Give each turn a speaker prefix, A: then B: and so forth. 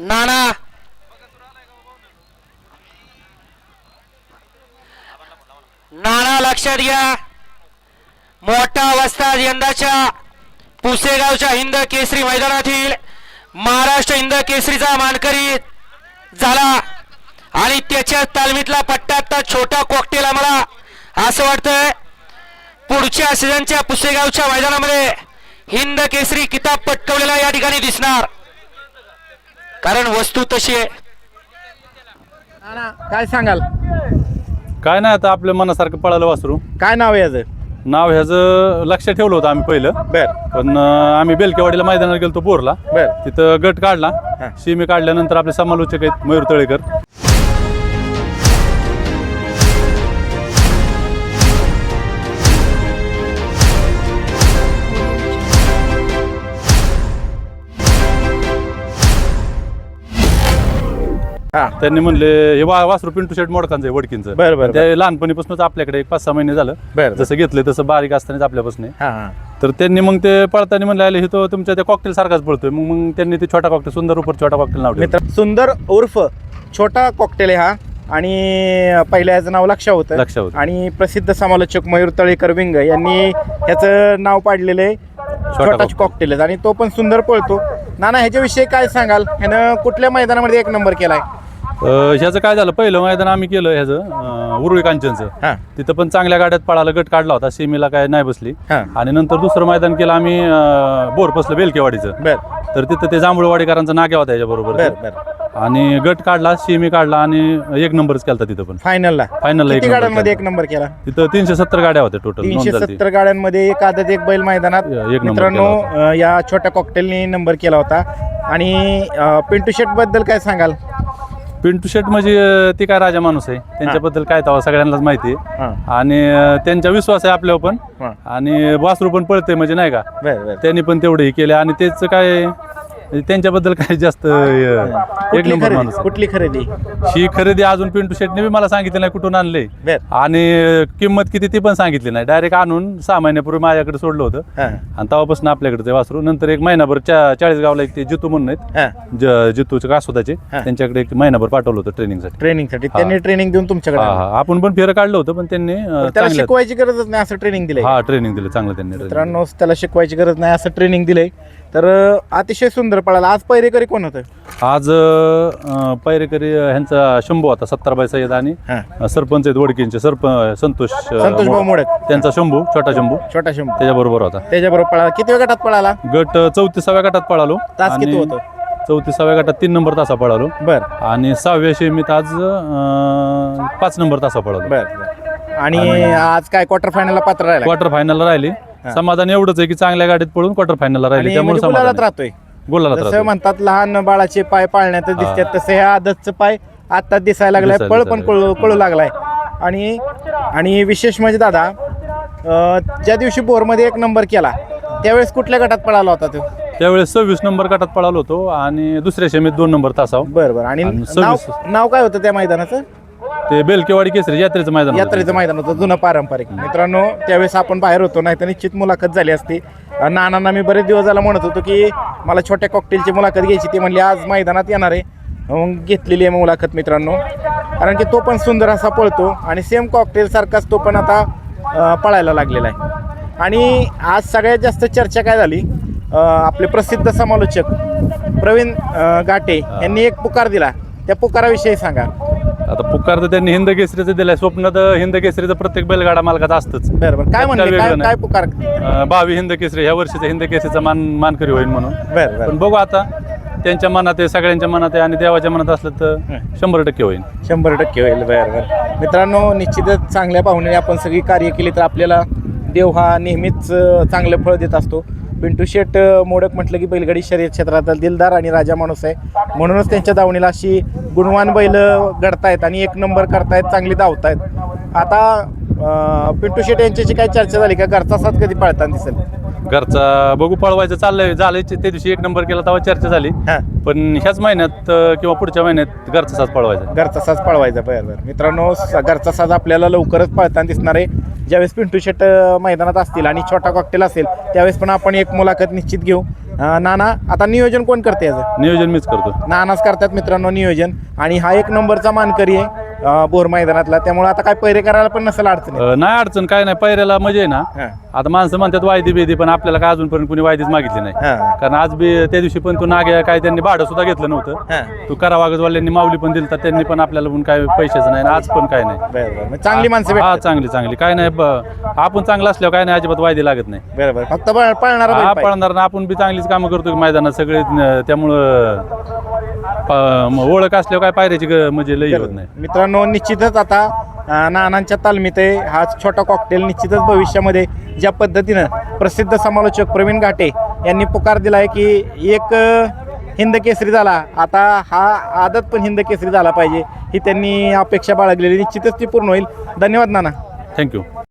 A: नाना नाना लक्षात घ्या, मोठा वस्ताद यंदाच्या पुसेगावच्या हिंद केसरी मैदानातील महाराष्ट्र हिंद केसरीचा मानकरी झाला आणि त्याच्या तालमीतला पट्टा आता छोटा कॉकटेल आम्हाला असं वाटतंय पुढच्या सीझनच्या पुसेगावच्या मैदानामध्ये हिंद केसरी किताब पटकवलेला या ठिकाणी दिसणार, कारण वस्तू तशी आहे.
B: काय सांगाल?
C: काय नाही, आता आपल्या मनासारखं पळालं वासरू.
B: काय नाव आहे याचं?
C: नाव ह्याचं लक्षात ठेवलं होतं आम्ही पहिलं,
B: बर
C: पण आम्ही बेलकेवाडीला मैदानाला गेलो बोरला,
B: बर
C: तिथं गट काढला.
B: हा.
C: शिमी काढल्यानंतर आपले समालोचक आहेत मयूर तळेकर.
B: हा
C: त्यांनी म्हणले हे वासरू पिंटू शेट मोडकांचं आहे वडकींचं.
B: बर बर
C: ते लहानपणीपासूनच आपल्याकडे एक 5-6 महिने झालं,
B: बर
C: जसं घेतलं तसं बारीक असतानाच आपल्यापासून आहे.
B: हा हा
C: तर त्यांनी मग ते पळताना म्हणले आले हे तो तुमच्या त्या कॉकटेल सारखाच पळतोय. मग त्यांनी ते छोटा कॉकटेल सुंदर उपर छोटा कॉकटेल नाव ठेवलं.
B: मित्र सुंदर उर्फ छोटा कॉकटेल आहे हा, आणि पहिल्या याचं नाव लक्ष होतं.
C: लक्ष होतं.
B: आणि प्रसिद्ध समालोचक मयूर तळेकर विंग यांनी ह्याचं नाव पाडलेलं आहे छोटा
C: cocktail.
B: कॉकटेल, आणि तो पण सुंदर पळतो. नाना ह्याच्याविषयी काय सांगाल? ह्यानं कुठल्या मैदानामध्ये एक नंबर केलाय?
C: ह्याचं काय झालं, पहिलं मैदान आम्ही केलं ह्याचं उरुळी कांचनचं.
B: हा
C: तिथं पण चांगल्या गाड्यात पळाला, गट काढला होता, सेमीला काय नाही बसली.
B: हा
C: आणि नंतर दुसरं मैदान केलं आम्ही बोरपसलं बेलकेवाडीचं.
B: बर
C: तर तिथं ते जांभूळवाडीकरांचा नाग्या होता याच्याबरोबर.
B: बर बर
C: आणि गट काढला, सेमी काढला आणि एक नंबरच केला तिथं पण.
B: फायनलला
C: फायनलला एक
B: किती
C: नंबर
B: गाड्यांमध्ये एक
C: केला.
B: नंबर केला?
C: तिथं 370 गाड्या होत्या टोटल.
B: 370 गाड्यांमध्ये एक आदत एक बैल मैदानात
C: एक नंबर
B: मित्रांनो
C: केला
B: या छोट्या कॉकटेलने नंबर केला होता. आणि पिंटू शेट बद्दल काय सांगाल?
C: पिंटू शेट म्हणजे ते काय राजा माणूस आहे, त्यांच्याबद्दल काय तवा सगळ्यांनाच माहिती आहे.
B: हा
C: आणि त्यांचा विश्वास आहे आपल्यावर पण,
B: हा
C: आणि वासरू पण पळते म्हणजे नाही का,
B: बर बर
C: त्यांनी पण तेवढे हे केले. आणि त्याचं काय त्यांच्याबद्दल काय जास्त एक नंबर माणूस आहे.
B: कुठली खरेदी?
C: ही खरेदी अजून पिंटू शेटने बी मला सांगितलं नाही कुठून आणले,
B: बर
C: आणि किंमत किती ती पण सांगितली नाही. डायरेक्ट आणून 6 महिन्यापूर्वी माझ्याकडे सोडलं होतं,
B: हा
C: आणि तेव्हापासून आपल्याकडे ते वासरू. नंतर एक महिनाभर 40 गावला एक ते जितू म्हणून आहेत,
B: हा
C: जितूचे कासोदाचे,
B: हा.
C: त्यांच्याकडे एक महिनाभर पाठवलं होतं ट्रेनिंगसाठी.
B: ट्रेनिंगसाठी त्यांनी ट्रेनिंग देऊन तुमच्याकडे
C: हा
B: आणलं.
C: हा आपण पण फेरं काढलं होतं, पण त्यांनी
B: त्याला
C: चांगलं
B: शिकवायची गरजच नाही असं ट्रेनिंग दिलंय.
C: हा ट्रेनिंग दिलं चांगलं त्यांनी training दिलं.
B: मित्रांनो त्याला शिकवायची गरज नाही असं ट्रेनिंग दिलंय. तर अतिशय सुंदर पळाला. आज पहिरेकरी कोण होतं?
C: आज पैरेकरी ह्यांचा शंभू होता 70 सय्यद, आणि
B: हा
C: सरपंच आहेत वडकींचे संतोष
B: संतोष भाऊ मोडक,
C: त्यांचा शंभू छोटा शंभू
B: छोटा शंभू
C: त्याच्याबरोबर होता.
B: त्याच्याबरोबर पळाला. किती वेळ गटात पळाला?
C: गट 34व्या गटात पळालो.
B: तास किती होतं?
C: 34व्या गटात 3 नंबर तासा पळालो,
B: बर
C: आणि 6व्या शेमीत आज 5 नंबर तासा पळालो.
B: बर बर. आणि आज काय क्वार्टर फायनलला पात्र राहिला?
C: क्वार्टर फायनलला राहिली. समाधान एवढंच आहे की चांगल्या गाडीत पळून क्वार्टर फायनलला राहिली,
B: आणि
C: त्यामुळे
B: म्हणजे गुलालात
C: समाधान
B: राहतोय.
C: गोलाला
B: जसं म्हणतात लहान बाळाचे पाय पाळण्यात दिसतात, तसे ह्या आदतचं पाय आता दिसायला लागलाय, पळ पण कळू लागलाय. आणि विशेष म्हणजे दादा ज्या दिवशी बोरमध्ये एक नंबर केला त्यावेळेस कुठल्या गटात पळाला होता तो?
C: त्यावेळेस 26 नंबर गटात पळालो होतो, आणि दुसऱ्या शेमीत 2 नंबर तासाव.
B: बरं बरं. आणि
C: आणि
B: नाव काय होतं त्या मैदानाचं?
C: ते बेलकेवाडी केसरी यात्रेचं मैदान होतं.
B: यात्रेचं मैदान होतं, जुनं पारंपरिक. मित्रांनो त्यावेळेस आपण बाहेर होतो, नाही तर निश्चित मुलाखत झाली असती. नानांना मी बरेच दिवस झाला म्हणत होतो की मला छोट्या कॉकटेलची मुलाखत घ्यायची, ती म्हणली आज मैदानात येणार आहे. मग घेतलेली आहे मुलाखत मित्रांनो, कारण की तो पण सुंदर असा पळतो, आणि सेम कॉकटेल सारखाच तो पण आता पळायला लागलेला आहे. आणि आज सगळ्यात जास्त चर्चा काय झाली, आपले प्रसिद्ध समालोचक प्रवीण घाटे यांनी एक पुकार दिला, त्या पुकाराविषयी सांगा.
C: आता पुकार तर त्यांनी हिंद केसरीचं दिलंय. स्वप्न तर हिंद केसरीचं प्रत्येक बैलगाडा मालकाचं असतंच.
B: बरं बरं. काय म्हणले, काय पुकार?
C: 22 हिंद केसरी ह्या वर्षीचा हिंद केसरीचा मानकरी होईल म्हणून.
B: बरं बरं.
C: पण बघू आता, त्यांच्या मनात आहे, सगळ्यांच्या मनात आहे, आणि देवाच्या मनात असलं तर 100% होईल.
B: 100% होईल. बरं बरं. मित्रांनो निश्चितच चांगल्या पाहुण्याने आपण सगळी कार्य केली तर आपल्याला देव हा नेहमीच चांगलं फळ देत असतो. पिंटू शेट मोडक म्हटलं की बैलगाडी शर्यत क्षेत्रातील दिलदार आणि राजा माणूस आहे, म्हणूनच त्यांच्या दावणीला अशी गुणवान बैल घडतायत आणि एक नंबर करतायत, चांगली धावतायत. आता पिंटू शेट यांच्याशी काय चर्चा झाली का? घरचा साथ कधी पाळताना दिसेल?
C: घरचा बघू, पळवायचं चाललंय, झालंय. त्या दिवशी 1 नंबर केला तेव्हा चर्चा झाली,
B: हां
C: पण ह्याच महिन्यात किंवा पुढच्या महिन्यात घरचा साज पळवायचा.
B: घरचा साज पळवायचा. बरं बरं. मित्रांनो घरचा साज आपल्याला लवकरच पळताना दिसणार आहे. ज्यावेळेस पिंटू शेट मैदानात असतील आणि छोटा कॉकटेल असेल त्यावेळेस पण आपण एक मुलाखत निश्चित घेऊ. नाना आता नियोजन कोण करते याचं?
C: नियोजन मीच करतो.
B: नानाच करतात मित्रांनो नियोजन, आणि हा एक नंबरचा मानकरी आहे बोर मैदानातला, त्यामुळे आता काय पैरे करायला पण नसेल अडचण आहे.
C: नाही अडचण काय नाही, पैऱ्याला मजा आहे ना.
B: हां.
C: आता माणसं म्हणतात वायदी बेदी, पण आपल्याला काय अजूनपर्यंत कुणी वायदीच मागितली नाही.
B: हां.
C: कारण आज बी त्या दिवशी पण तू नाग्या काय त्यांनी भाडं सुद्धा घेतलं नव्हतं.
B: हां.
C: तू करावागजवाल्यांनी माऊली पण दिलं, तर त्यांनी पण आपल्याला पण काय पैशाचं नाही, आज पण काय नाही.
B: बरोबर, मग चांगली माणसं
C: हा
B: भेटतात.
C: चांगली काय नाही, आपण चांगलं असल्यावर काय नाही, अजिबात वायदी लागत नाही.
B: बरोबर, फक्त पळणारा बैल
C: हा
B: पाहिजे.
C: पळणार ना, आपण बी चांगलीच कामं करतो मैदानात सगळे, त्यामुळं ओळख असल्यावर काय पायऱ्याची म्हणजे लई होत नाही.
B: मित्रांनो निश्चितच आता नानांच्या तालमीत आहे हा छोटा कॉकटेल. निश्चितच भविष्यामध्ये ज्या पद्धतीनं प्रसिद्ध समालोचक प्रवीण घाटे यांनी पुकार दिला आहे की एक हिंद केसरी झाला, आता हा आदत पण हिंद केसरी झाला पाहिजे, ही त्यांनी अपेक्षा बाळगलेली, निश्चितच ती पूर्ण होईल. धन्यवाद नाना.
C: थँक्यू.